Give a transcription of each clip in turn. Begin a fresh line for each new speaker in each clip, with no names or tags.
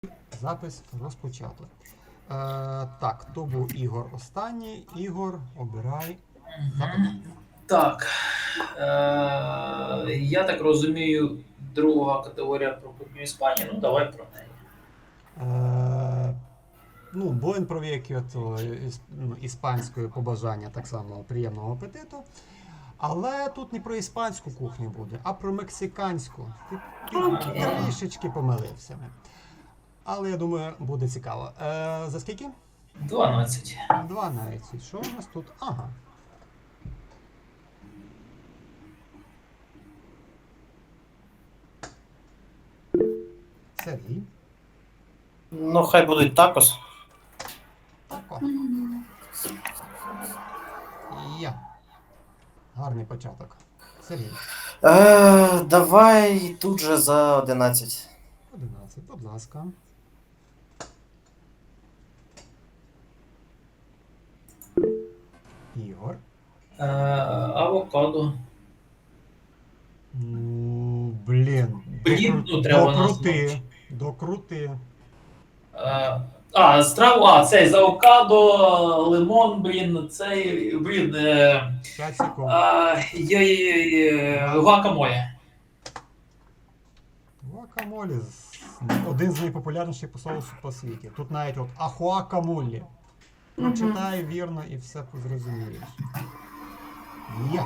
Запис розпочато. Так, то був Ігор останній. Ігор, обирай запитання.
Так. Я так розумію, друга категорія про кухню Іспанії. Ну, давай про неї.
Buen provecho, то іспанською побажання, так само приємного апетиту. Але тут не про іспанську кухню буде, а про мексиканську. Ти трішечки помилився. Але я думаю, буде цікаво. За скільки?
12.
12. Що у нас тут? Ага. Сергій.
Ну, хай будуть такос.
Тако. Я. Гарний початок. Сергій.
Давай тут же за 11.
11, будь ласка. Ігор.
Авокадо.
Блін.
Треба
Докрути. Докрути.
Цей з авокадо, лимон, цей,
5 секунд.
Гуакамоле.
Гуакамолі. Один з найпопулярніших соусів по світі. Тут навіть от ахуакамолі. Прочитай вірно і все зрозумієш. Є.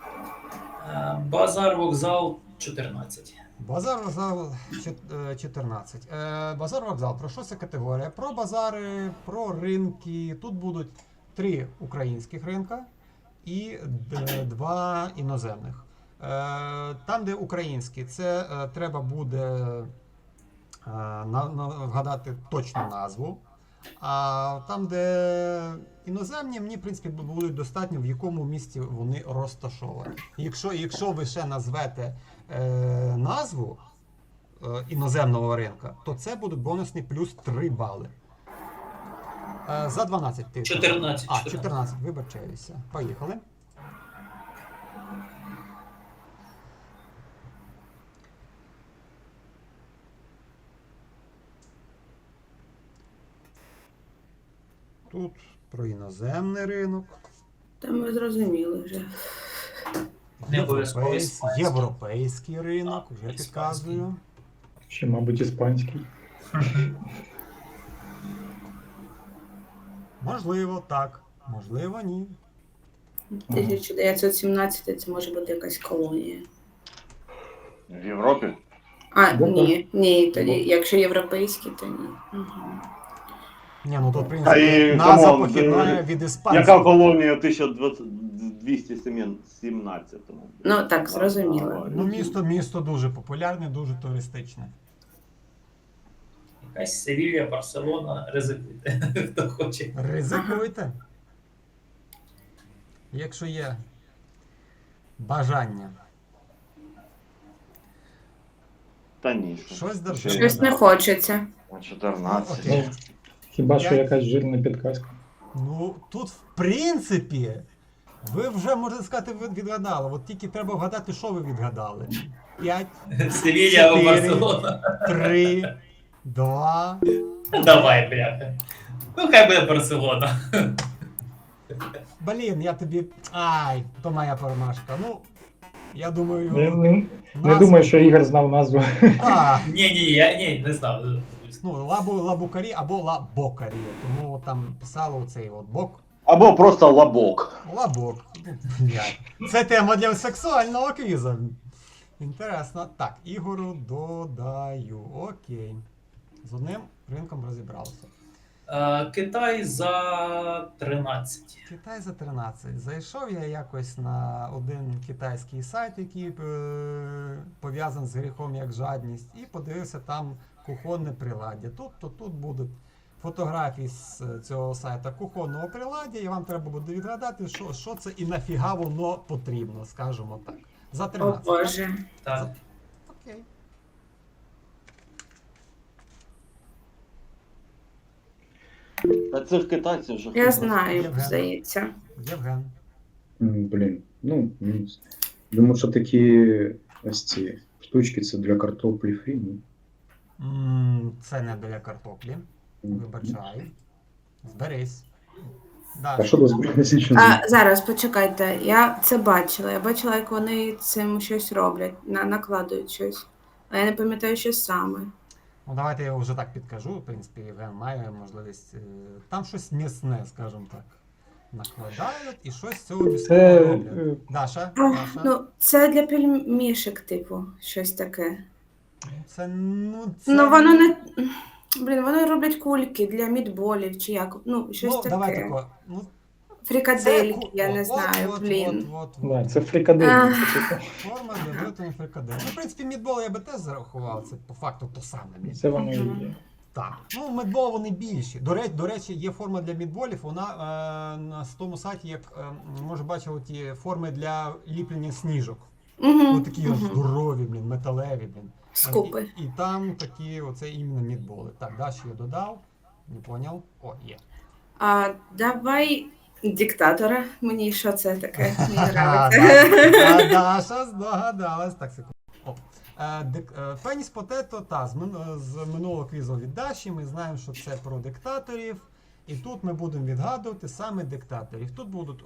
Базар вокзал 14.
Базар вокзал 14. Базар вокзал. Про що це категорія? Про базари, про ринки. Тут будуть 3 українських ринка і 2 іноземних. Там, де українські, це треба буде вгадати точну назву. А там, де іноземні, мені, в принципі, буде достатньо, в якому місці вони розташовані. Якщо ви ще назвете назву іноземного ринка, то це буде бонусний плюс 3 бали. За 12 ти.
14.
14, вибачаюся. Поїхали. Тут про іноземний ринок.
Там ми зрозуміли вже.
Не обов'язково іспанський.
Європейський ринок, вже підказую.
Ще, мабуть, іспанський.
Можливо, так. Можливо, ні.
1917 це може бути якась колонія.
В Європі?
Ні, тоді, якщо європейські, то ні. Угу.
Ні, ну то, в
Та
принципі,
і,
назва
камон,
похідна від іспанської.
Яка колонія в 1217-му?
Ну так, зрозуміло.
Ну, місто дуже популярне, дуже туристичне.
Якась Севілія, Барселона, ризикуйте, хто хоче.
Ризикуйте. Якщо є бажання.
Та ні.
Щось держи.
Щось не хочеться.
На 14.
Окей.
Хіба що
Я-
якась жирна підказка.
Ну, тут, в принципі, ви вже, можна сказати, відгадали. От тільки треба вгадати, що ви відгадали. 5,
Севілія або
4.
Барселона.
3, 2.
Давай, бляха. Ну, хай буде Барселона.
Блін, я тобі. Ай, то моя промашка. Ну, я думаю.
Не думаю, що Ігор знав назву.
Ні, я не знав.
Ну, лабукарі або лабокарі. Тому там писало оцей от бок.
Або просто лабок.
Лабок. Блядь. Це тема для сексуального квізу. Інтересно. Так, Ігору додаю. Окей. З одним ринком розібралися.
Китай за 13.
Китай за 13. Зайшов я якось на один китайський сайт, який пов'язаний з гріхом як жадність, і подивився там кухонне приладдя. Тут будуть фотографії з цього сайта кухонного приладдя, і вам треба буде відгадати, що це і нафіга воно потрібно, скажімо так. За
О
13.
Боже.
Так.
Окей.
Та цих китайців вже
Я
хто
знаю,
Євген.
здається.
Євген.
Блін, думаю, що такі ось ці штучки це для картоплі фрі. Ну.
Це не біля картоплі. Вибачай. Зберись.
А
Далі.
що до збройно
Зараз почекайте. Я це бачила. Я бачила, як вони цим щось роблять, накладують щось. А я не пам'ятаю, що саме.
Ну, давайте я вже так підкажу. В принципі, Євген має можливість. Там щось м'ясне, скажімо так. Накладають і щось з цього
Це
м'ясного роблять. Даша? Даша?
Ну, це для пельмішек, типу, щось таке.
Це,
Ну, воно не. Блін, вони роблять кульки для мідболів чи як. Ну, щось
Ну,
таке.
давай тако. Ну,
Фрикадельки, я не знаю, блін.
Да, це фрикадельки.
Форма для виготовлення фрикадель. Ну, в принципі, мідбол я би теж зарахував. Це по факту то саме.
Це воно і є.
Так. Ну, мідбол вони більші. До речі, є форма для мідболів. Вона на тому сайті, як може бачили ті форми для ліплення сніжок.
Угу.
Такі здорові, блін, металеві, блін.
Скупи.
І там такі, оце іменно мідболи. Так, далі я додав. Не поняв? О, є.
Давай диктатора. Мені що це таке? Мені
А
подобається.
Даша здогадалась. Так, секунду. Пеніс Потето, з минулого квізу від Даші. Ми знаємо, що це про диктаторів. І тут ми будемо відгадувати саме диктаторів. Тут будуть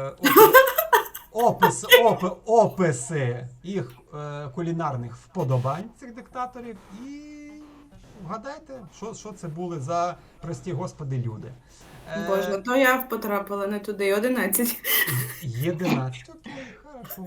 описи їх кулінарних вподобань цих диктаторів. І вгадайте, що це були за прості господи люди.
Боже, ну то я потрапила не туди. 11.
11. Окей, хорошо.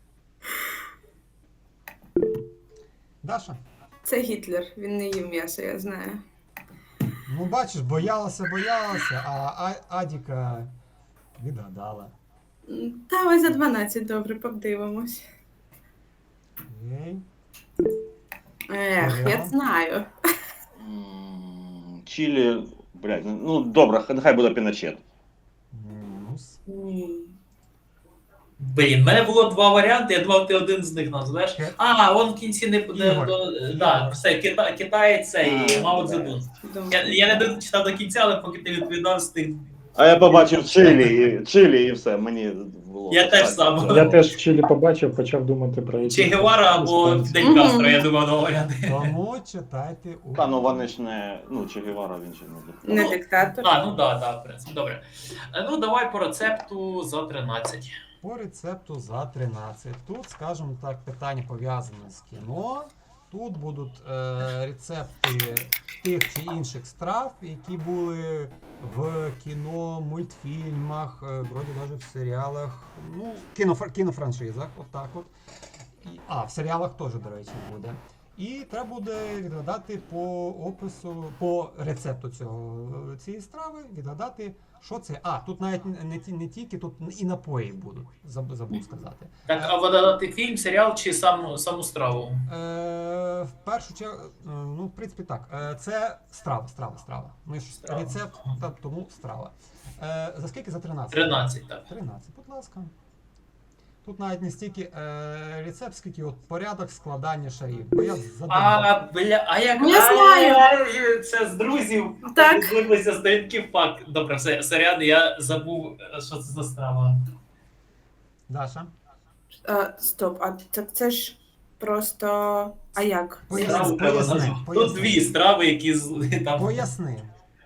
Даша?
Це Гітлер. Він не їв м'ясо, я знаю.
Ну, бачиш, боялася, а Адіка відгадала.
Давай за 12, добре, подивимось.
Окей.
Я знаю.
Чилі, блядь, ну добре, нехай буде Піночет.
Мінус.
Ні.
Блін, в мене було два варіанти, я думав, ти один з них назвеш. Он в кінці не
Ігор.
да, все, Китай цей Мао Цзедун.
Думаю.
Я не дочитав до кінця, але поки ти відповідав з тих.
А я побачив Чилі і все, мені було.
Я теж
так,
сам.
так.
Я теж в Чилі побачив, почав думати про
Чи Гевара або
іспанців.
Фідель Кастро, я думав, два варіанти.
Тому читайте у...
Та ну вони ж не. Ну, Че Гевара він ще не
Не
Ну,
диктатор.
Ну да, в принципі, добре. Ну, давай по рецепту за 13.
По рецепту за 13. Тут, скажімо так, питання пов'язане з кіно. Тут будуть рецепти тих чи інших страв, які були в кіно, мультфільмах, вроді навіть в серіалах, ну, кінофраншизах, отак от. В серіалах теж, до речі, буде. І треба буде відгадати по опису, по рецепту цієї страви, відгадати, що це. Тут навіть не тільки, тут і напої будуть, забув сказати.
Так, а видати фільм, серіал чи саму страву?
В першу чергу, ну, в принципі, так. Це страва. Ми ж
Страва.
рецепт, тому страва. За скільки? За 13?
13, так.
13, будь ласка. Тут навіть не стільки рецепт, скільки от порядок складання шарів. Бо я задумав.
Як
Ну, я знаю.
Це з друзів.
Так.
Злиплися сторінки факт. Добре, все, сорян, я забув, що це за страва.
Даша?
Стоп, так це ж просто. А як?
Страву треба назвати. Тут
Поясни.
дві страви, які там.
Поясни.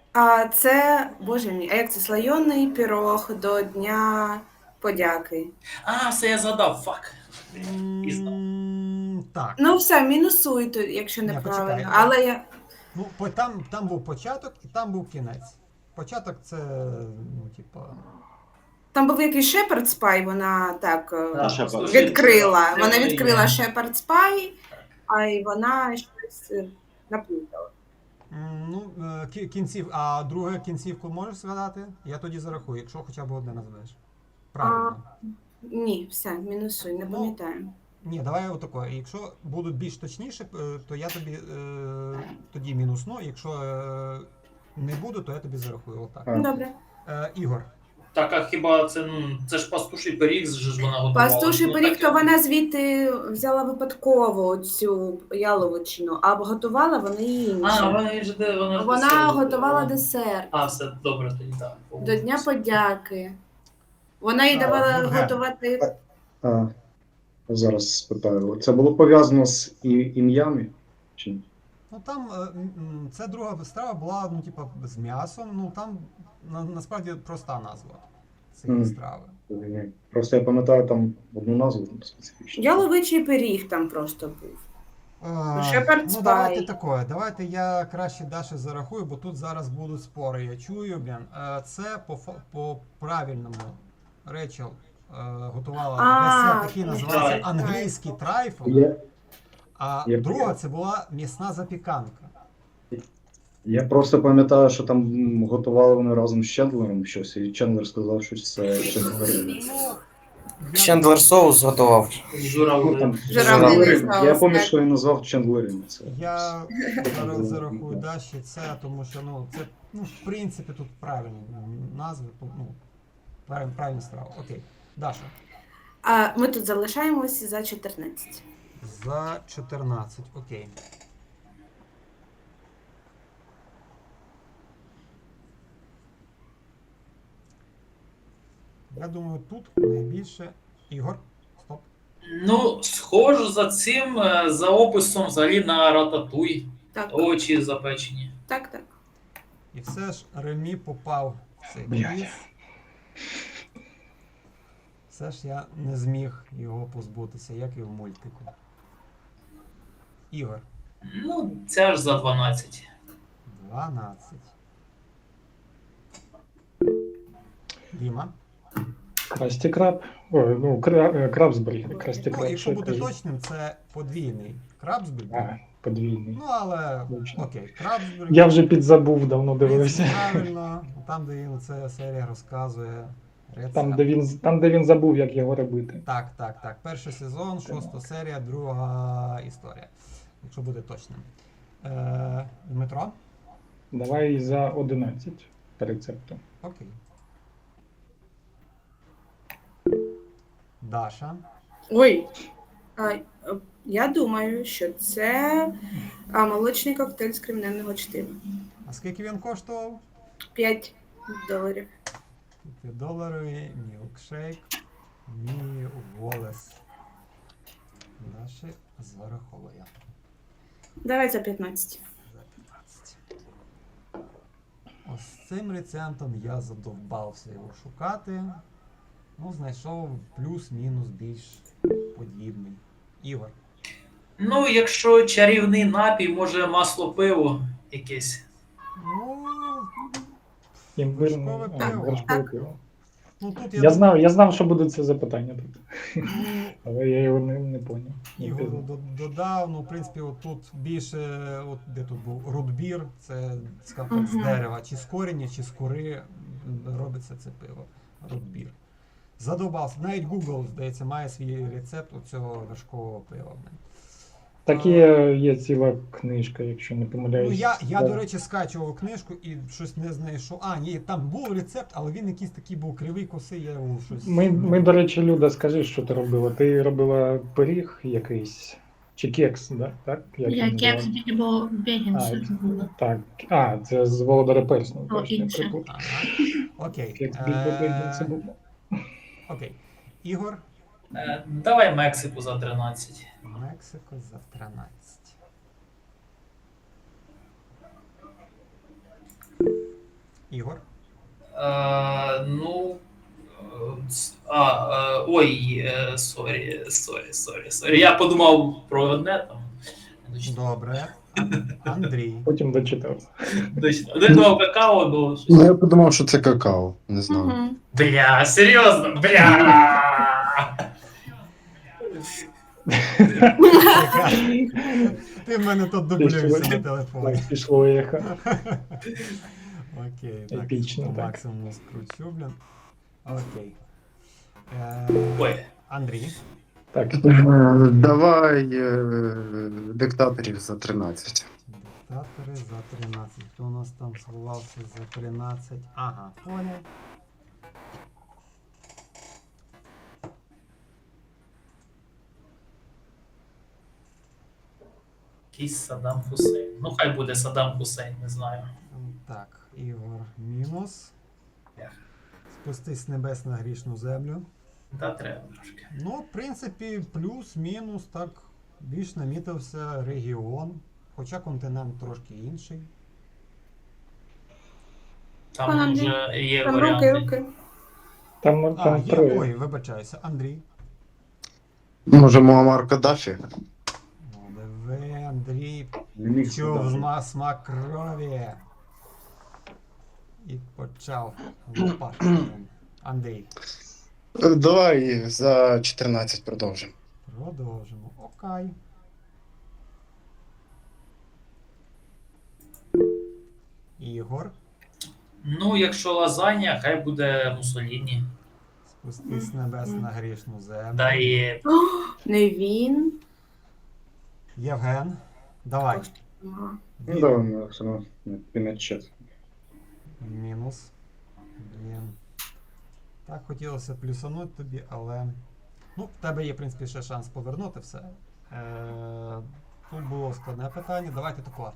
Це, боже мій, а як це слойоний пірог до Дня подяки?
Все, я згадав, фак. Пізно.
Так.
Ну все, мінусуй, якщо
Ні,
неправильно.
почекай.
Але я.
Ну, там був початок і там був кінець. Початок це, ну, типа.
Там був якийсь Шепард Спай, вона так
Shepherd's
відкрила.
Це
Вона
є.
відкрила Шепард Спай, а й вона щось наплутала.
Ну, друге кінцівку можеш згадати? Я тоді зарахую, якщо хоча б одне назвеш. Правильно.
Ні, все, мінусуй, не
Ну,
пам'ятаю.
Ні, давай отако. Якщо будуть більш точніше, то я тобі тоді мінусну. Якщо не буду, то я тобі зарахую. Отак.
Добре.
Ігор.
Так, а хіба це ж пастуший пиріг, ж вона готувала.
Пастуший
Ну,
пиріг,
так,
то вона звідти взяла випадково цю яловичину, а готувала вона інше. Вона готувала десерт
Все, добре, тоді так.
до Дня подяки. Вона їй давала
Євген.
готувати.
Зараз спитаю. Це було пов'язано з ім'ями? Чи ні?
Ну там це друга страва була, ну, типа, з м'ясом. Ну там насправді проста назва цієї страви.
Просто я пам'ятаю там одну назву специфічну.
Яловичий пиріг там просто був. Shepherd's
Ну, давайте
pie.
таке. Давайте я краще Даші зарахую, бо тут зараз будуть спори. Я чую, блін. Це по правильному Речел готувала десерт, який називається
так.
англійський трайфл. А
Я
друга
понял.
це була м'ясна запіканка.
Я просто пам'ятаю, що там готували вони разом з Чендлером щось, і Чендлер сказав, що це Чендлер.
Ну,
Чендлер соус готував.
Журавлин.
Журавлиний
Я
соус,
пам'ятаю,
так.
що він назвав Чендлером. Це.
Я зараз зарахую Даші це, тому що ну, це, ну, в принципі, тут правильні назви, ну, правильна страва. Окей. Даша.
А ми тут залишаємося за 14.
За 14, окей. Я думаю, тут найбільше Ігор. Стоп.
Ну, схоже за цим, за описом взагалі на рататуй.
Так,
Очі запечені.
так.
І все ж Ремі попав в цей
Блядь.
квіз. Все ж я не зміг його позбутися, як і в мультику. Ігор.
Ну, це ж за 12.
12. Діма.
Красті краб. Ой, ну, крабсбері. Красті
Ну,
краб.
якщо
що
бути
кажу.
точним, це подвійний крабсбері.
А, подвійний.
Ну, але
Точно.
окей, крабсбері.
Я вже підзабув, давно
В принципі,
дивився.
правильно. Там, де він ця серія розказує рецепт.
Там, де він забув, як його робити.
Так. Перший сезон, 6 серія, друга історія. Якщо бути точним. Дмитро?
Давай за 11 по рецепту.
Окей. Даша.
Ой. Я думаю, що це молочний коктейль з кремневого чтива.
А скільки він коштував?
$5.
$5 мілкшейк. Мій Волес. Даші зараховує.
Давай за 15.
За 15. Ось цим рецептом я задовбався його шукати. Ну, знайшов плюс-мінус більш подібний. Ігор.
Ну, якщо чарівний напій, може масло пиво якесь.
Ну,
Імбирне
Вершкове пиво.
вершкове пиво.
ну тут
Я знав, що буде це запитання тут,
ну,
але я його не поняв. Не
Ігору
пізнав.
додав, ну, в принципі, от тут більше, от де тут був рудбір, це скажімо так, з дерева, чи з коріння, чи з кори робиться це пиво. Рудбір. Задовбався. Навіть Google, здається, має свій рецепт оцього вершкового пива.
Так є ціла книжка, якщо не помиляюсь.
Ну, я
Так.
до речі, скачував книжку і щось не знайшов. А, ні, там був рецепт, але він якийсь такий був кривий, косий, я його щось.
Ми, до речі, Люда, скажи, що ти робила? Ти робила пиріг якийсь, чи кекс, да? Так? Як
Я
він
кекс
називається?
бо бігінси було.
Так. А, це з Володаря Персну.
О,
точно, я
інше.
припутав.
Ага. Окей.
Кекс Більбо Бегінси було.
Окей. Ігор.
Давай Мексику за 13.
Мексико за 13. Ігор.
Ну. Сорі. Я подумав про одне там.
Добре. Андрій.
Потім дочитав.
Не думав какао, ну. щось.
Ну, я подумав, що це какао. Не знаю.
Угу.
Бля, серйозно, бля.
Ти в мене тут дублюєшся на телефоні.
Пішло ехо.
Окей, так.
Епічно,
По
так.
максимуму скручу, блін. Окей.
Ой.
Андрій.
Так,
Давай диктаторів за 13.
Диктатори за 13. Хто у нас там сховався за 13? Ага, понял.
Якийсь Саддам Хусейн. Ну, хай буде Саддам Хусейн, не знаю.
Так, Ігор мінус.
Ях.
Спустись з небес на грішну землю.
Та треба трошки.
Ну, в принципі, плюс-мінус, так, більш намітився регіон. хоча континент трошки інший.
Там
Андрій,
вже є
Там руки,
варіанти.
руки.
Там,
А,
там
є,
троє.
ой, вибачаюся, Андрій.
Може, Муаммар Каддафі?
Ну, диви, Андрій,
Не міг
чув
згадати.
смак крові. І почав лопати. Андрій,
Давай за 14 продовжимо.
продовжимо. Окей. Ігор,
Ну, якщо лазанья, хай буде Муссоліні.
спустись з небес на грішну землю.
Да і
Не він.
Євген, давай.
Ага.
Ну, давай, ми все одно Піночет.
Мінус. Блін. Так, хотілося плюсануть тобі, але. Ну, в тебе є, в принципі, ще шанс повернути все. Тут було складне питання. Давайте тако.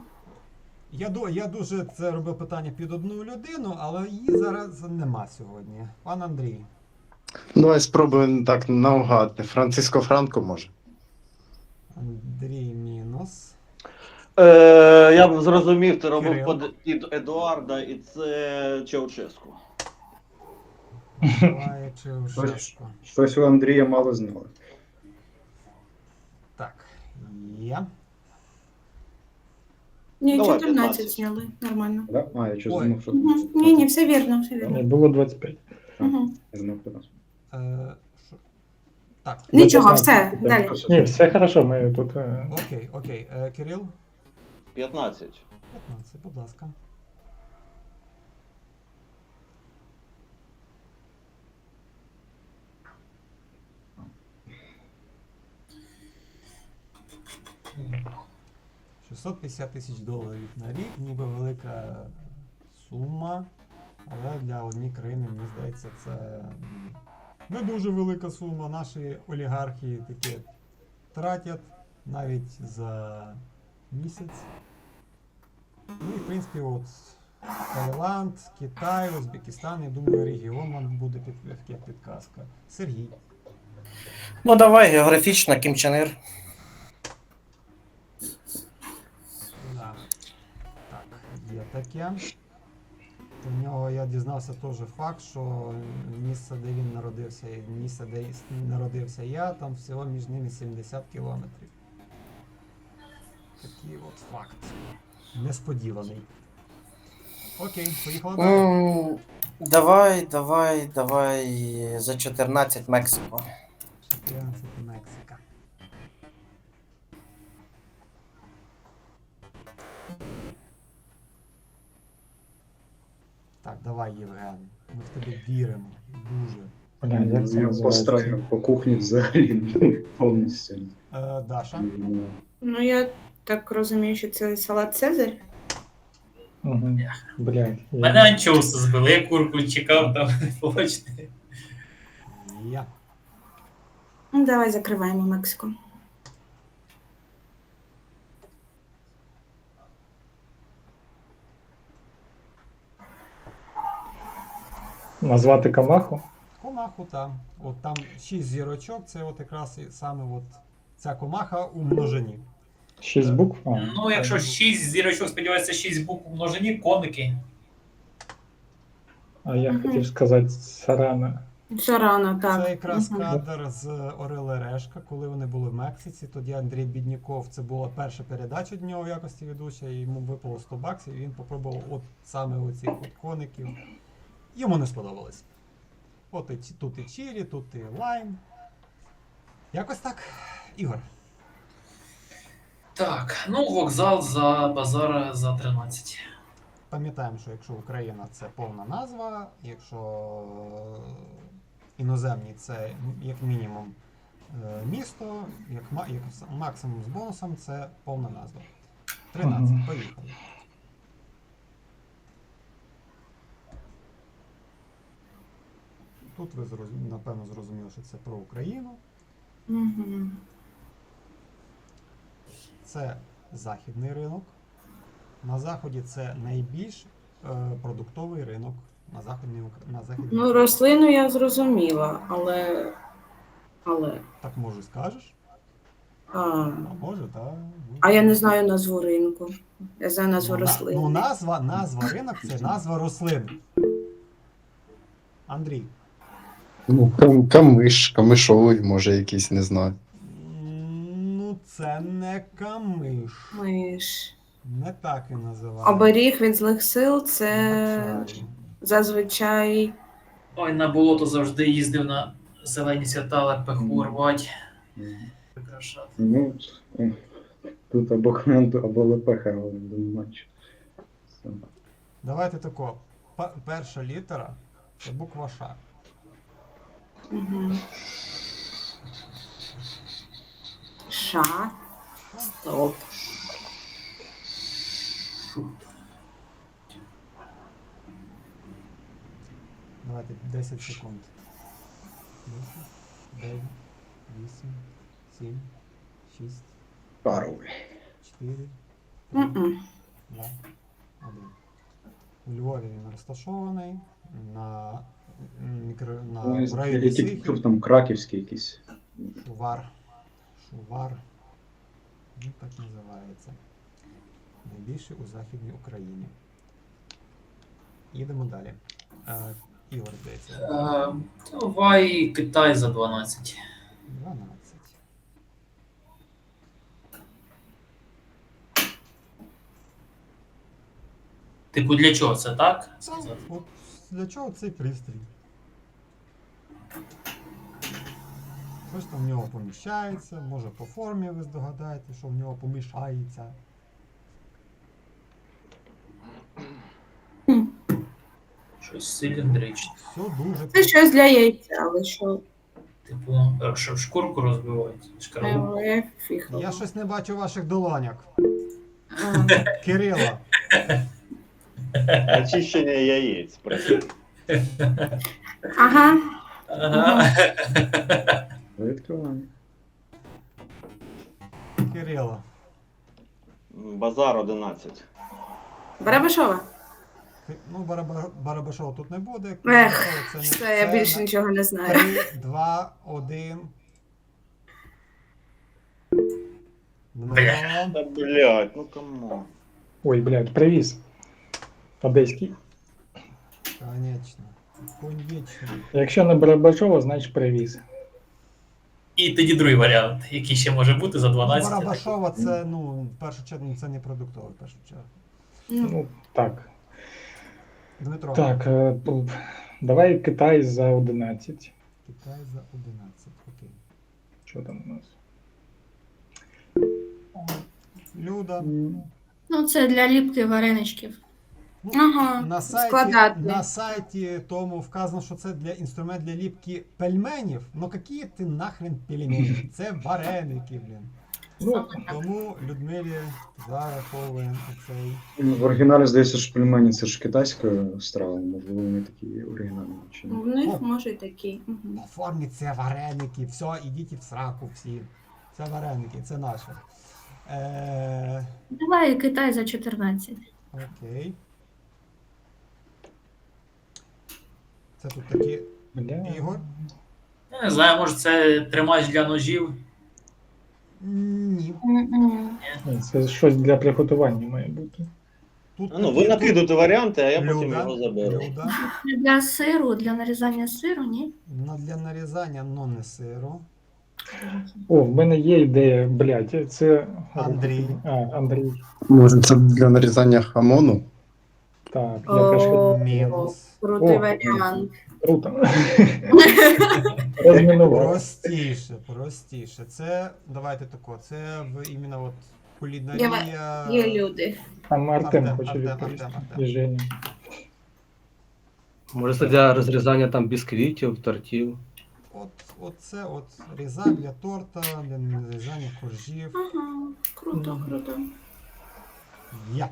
Я дуже це робив питання під одну людину, але її зараз нема сьогодні. Пан Андрій.
Давай спробуємо так наугад. Франциско Франко може.
Андрій мінус.
Я б зрозумів, ти робив
Кирил.
під Едуарда, і це Чаушеску.
Давай Чаушеску.
Щось у Андрія мало знали.
Так, є.
Ні,
Давай,
14
15.
зняли. Нормально.
Да? А, я щось
Ой.
думав, що
Угу. Ні, ні, все вірно, все вірно.
Ні, було 25.
Угу.
Я думав, 15.
Що? Так,
Нічого, все, далі.
Ні, все хорошо, ми тут.
окей, окей. Кирил?
15.
15, будь ласка. $650,000 на рік, ніби велика сума, але для однієї країни, мені здається, це не дуже велика сума. Наші олігархи таке тратять навіть за місяць. Ну і в принципі, от Таїланд, Китай, Узбекистан, я думаю, регіон вам буде як підказка. Сергій.
Ну давай, географічно, Кім Чен Ір.
Да. Так, є таке. У нього я дізнався теж факт, що місце, де він народився, і місце, де народився я, там всього між ними 70 кілометрів. Такий от факт. Несподіваний. Окей, поїхали далі.
Давай за 14 Мексико.
14 Мексика. Так, давай, Євген. Ми в тебе віримо. Дуже.
Бля, як це
Я
називається?
постраю по кухні взагалі повністю.
Даша.
Ну, я так розумію, що це салат Цезарь.
Угу. Блядь.
мене анчоуси збили, я курку чекав там, побачите.
Я.
Ну, давай закриваємо Мексику.
Назвати Камаху?
Комаху там. От там 6 зірочок, це от якраз і саме от ця комаха у множині.
6 букв? А,
Ну, якщо 6 зірочок, сподіваюся, 6 букв у множині, коники.
а я
Мгм.
хотів сказати Сарана.
Все рано, так.
Це якраз
Мгм.
кадр з Орел і Решка, коли вони були в Мексиці. Тоді Андрій Бідніков, це була перша передача від нього в якості ведуча, і йому випало 100 баксів, і він попробував от саме оцих от коників. Йому не сподобалось. От тут і чірі, тут і лайм. Якось так. Ігор.
Так, ну вокзал за базар за 13.
Пам'ятаємо, що якщо Україна це повна назва, якщо іноземні це як мінімум місто, як максимум з бонусом це повна назва. 13.
Ага.
Поїхали. Тут ви напевно зрозуміли, що це про Україну.
Угу.
Це західний ринок. На заході це найбільш продуктовий ринок на західній
Ну, рослину я зрозуміла, але.
Так може скажеш?
А,
Може, так.
а я не знаю назву ринку. Я знаю назву
Ну,
рослин.
Ну, назва ринок це назва рослин. Андрій.
Ну, камиш, камишовий, може, якийсь, не знаю.
Ну, це не камиш.
Миш.
Не так він називається.
Оберіг від злих сил
На
це
чалі.
зазвичай.
Ой, на болото завжди їздив на зелені свята, лепеху рвать, прикрашати.
Ну, тут або коменту, або лепеха, але матч. Все.
Давайте тако. Перша літера це буква Ш.
Угу. Ша. Стоп.
Давайте 10 секунд. 10, 9, 8, 7, 6,
Паровий.
4, 3,
Мгм.
2, 1. У Львові він розташований на в районі
Я тільки
Сихів.
чув там краківський якийсь.
Шувар. Шувар. Ну, так називається. Найбільший у Західній Україні. Їдемо далі. Ігор, здається.
Давай Китай за 12.
12.
Типу, для чого це так?
От для чого цей пристрій? Щось там в нього поміщається, може по формі ви здогадаєте, що в нього поміщається.
Щось циліндричне.
Все дуже
Це щось для яйця, але що?
Типу, щоб шкурку розбивати. Шкарлупу.
Фіг.
Я щось не бачу ваших долоняк.
А,
Кирило.
Очищення яєць. працює.
Ага.
Ага.
Відкриваємо.
Кирило.
Базар 11.
Барабашова.
Ну, Барабашова тут не буде.
Ех,
Барабашова це не
все, я більше нічого не знаю.
3, 2, 1. Дмитро.
Та блядь, ну камон.
Ой, блядь, привіз. Одеський.
Конечно. Конечно.
Якщо не Барабашова, значить привіз.
І тоді другий варіант, який ще може бути за 12.
Барабашова це, ну, в першу чергу, це не продуктове, в першу чергу.
Ну, так.
Дмитро.
Так, давай Китай за 11.
Китай за 11. Окей.
Що там у нас?
Люда.
Ну, це для ліпки вареничків.
Ну,
Ага, складати.
на сайті тому вказано, що це інструмент для ліпки пельменів. Ну які ти нахрен пельмені? Це вареники, блін.
Ну,
Тому Людмилі зараховуємо цей.
В оригіналі здається, що пельмені це ж китайська страва, можливо, вони такі оригінальні чи ні.
В них може й такі. Мгм.
По формі це вареники. Все, ідіть в сраку всі. Це вареники, це наше.
Давай Китай за 14.
Окей. Це тут такі
бля.
Ігор.
Я не знаю, може це тримач для ножів.
Ні.
М-м.
Ні, це щось для приготування має бути.
Тут
Ну, ви
такі-
накидуєте варіанти, а я потім
Люда,
його заберу.
Люда.
Для сиру, для нарізання сиру, ні?
Для нарізання, но не сиру.
О, в мене є ідея, блядь, це...
Андрій.
Андрій.
Може, це для нарізання хамону?
Так, я теж
О,
хотів.
Мінус.
Крутий
О.
варіант.
Круто. Розмінував.
Простіше. Це, давайте тако, це в іменно от кулінарія.
Є люди.
Там Артем
Артем,
хоче
Артем,
відповісти.
Артем.
І Женя.
Може, це для розрізання там бісквітів, тортів.
Оце от різа для торта, для нарізання коржів.
Ага, круто, круто.
Я.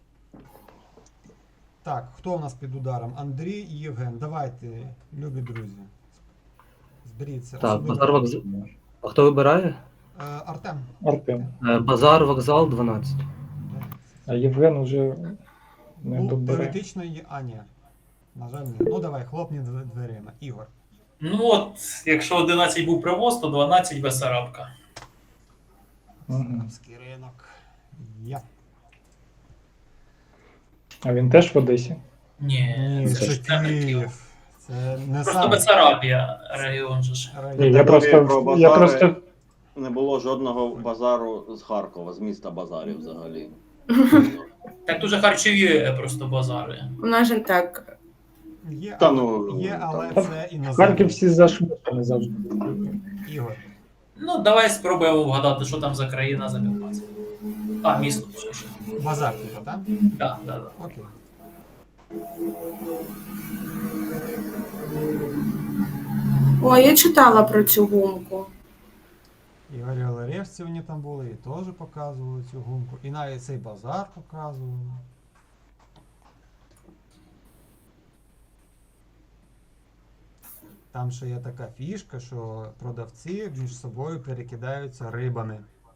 Так, хто у нас під ударом? Андрій і Євген. Давайте, любі друзі. Зберіться.
Так,
Особливо-
базар вокзал. А хто вибирає?
Артем.
Артем.
Базар вокзал 12.
А Євген уже не
Ну,
добере.
теоретично є. А, ні. На жаль, ні. Ну давай, хлопні дверима. Ігор.
Ну от, якщо 11 був привоз, то 12 Бесарабка.
Бесарабський ринок. Я.
А він теж в Одесі.
Ні,
Ні,
це ж
це
не Київ.
Київ. Це не
Просто
сам
Бессарабія регіон же ж.
район.
Ні, я
Теорії про
просто,
базари.
я просто
Не було жодного базару з Харкова, з міста базарів взагалі.
Так дуже харчові просто базари.
У нас же так.
Є,
Та ну,
є, але
там
це
Харків
іноземні.
всі зашмутані завжди.
Ігор.
Ну, давай спробуємо вгадати, що там за країна за 15. А, місто ще ж.
Базар, типу, так?
Так, так.
Окей.
О, я читала про цю гумку.
Ігорі Олеревці вони там були, і теж показували цю гумку. І навіть цей базар показували. Там ще є така фішка, що продавці між собою перекидаються рибами.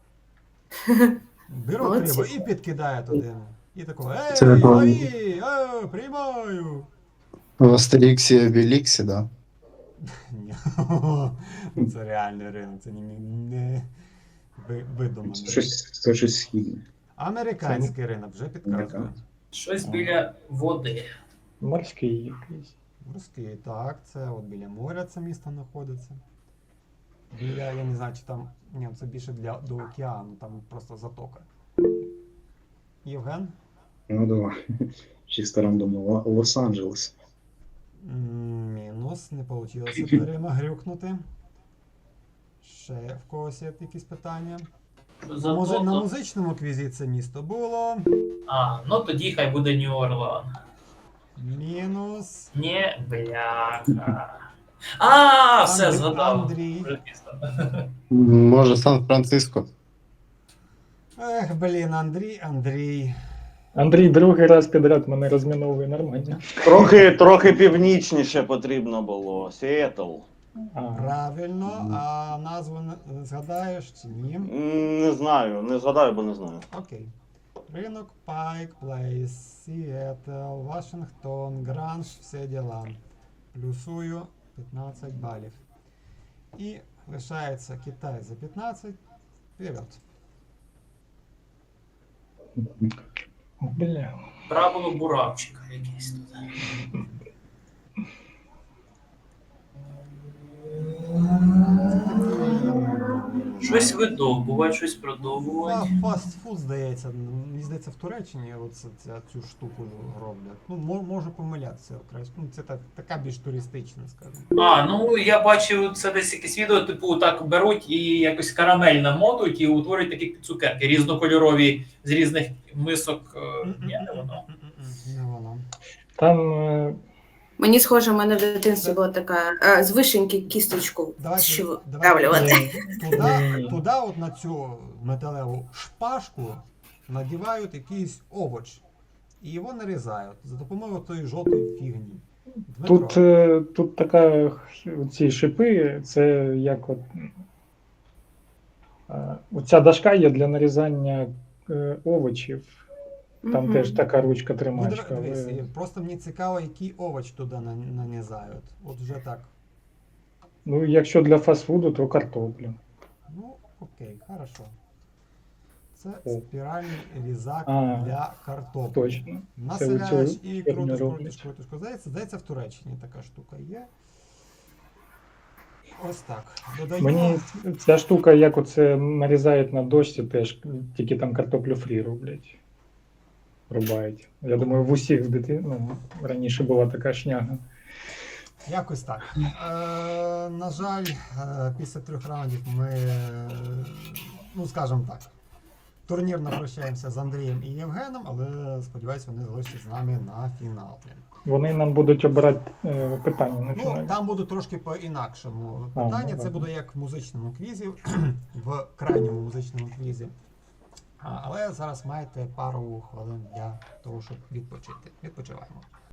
Беруть
Молодці.
рибу і підкидають один. І такого, ей,
Це прикольно.
лови, приймаю.
В Астеріксі і Обеліксі, да.
Ні. Це реальний ринок, це не видуманий.
Це щось східне.
Американський ринок вже підказує.
Американський.
Щось біля води.
Морський якийсь.
Морський, так, це от біля моря це місто знаходиться. Біля, я не знаю, чи там. Ні, це більше до океану, там просто затока. Євген?
Ну давай. Чисто рандомно. Лос-Анджелес.
Мінус, не вийшло дверима грюкнути. Ще в когось є якісь питання. На музичному квізі це місто було.
А, ну тоді хай буде Нью-Орлеан.
Мінус.
Ні, бляха. А, все, згадав.
Андрій.
Вже пізно.
Може, Сан-Франциско.
Ех, блін, Андрій.
Андрій другий раз підряд мене розміновує нормально.
Трохи північніше потрібно було. Сіетл.
А,
Правильно, а назву не згадаєш чи ні?
Не знаю, не згадаю, бо не знаю.
Окей. Ринок, Пайк, Плейс, Сіетл, Вашингтон, Гранж, всі діла. Плюсую 15 балів. І лишається Китай за 15. Вперед.
бля.
Правило буравчика якесь тут. Щось видовбувати, щось продовбувати.
Фастфуд, здається, мені здається, в Туреччині цю штуку роблять. Ну, можу помилятися. Ну, це така більш туристична, скажімо.
А, ну я бачив це десь якесь відео, типу так беруть і якось карамель намотують і утворюють такі цукерки різнокольорові з різних мисок. Ні, не воно.
Не воно.
Там
Мені схоже, в мене в дитинстві була така з вишеньки кісточку
Давайте
вдавлювати.
Туди от на цю металеву шпажку надівають якийсь овоч. І його нарізають за допомогою тої жовтої фігні. Дмитро.
тут така ці шипи, це як от оця дошка є для нарізання овочів. Там теж така ручка
Ну,
тримачка.
дивись, просто мені цікаво, який овоч туди нанізають. От вже так.
Ну, якщо для фастфуду, то картоплю.
Ну, окей, хорошо. Це
О.
спіральний різак
А,
для картоплі.
Точно.
Населяєш
Це
і
херню
крутиш,
роблять.
Здається, в Туреччині така штука є. Ось так. Додаємо.
Мені ця штука, як оце нарізають на дошці, теж тільки там картоплю фрі роблять. Рубають. Я думаю, в усіх раніше була така шняга.
Якось так. На жаль, після 3 раундів ми, ну скажімо так, турнірно прощаємося з Андрієм і Євгеном, але сподіваюся, вони залишаться з нами на фіналі.
Вони нам будуть обирати питання на
Ну,
фіналі.
там буде трошки по-інакшому питання.
ну,
Це буде як в музичному квізі, в крайньому музичному квізі. Але зараз маєте пару хвилин для того, щоб відпочити. Відпочиваємо.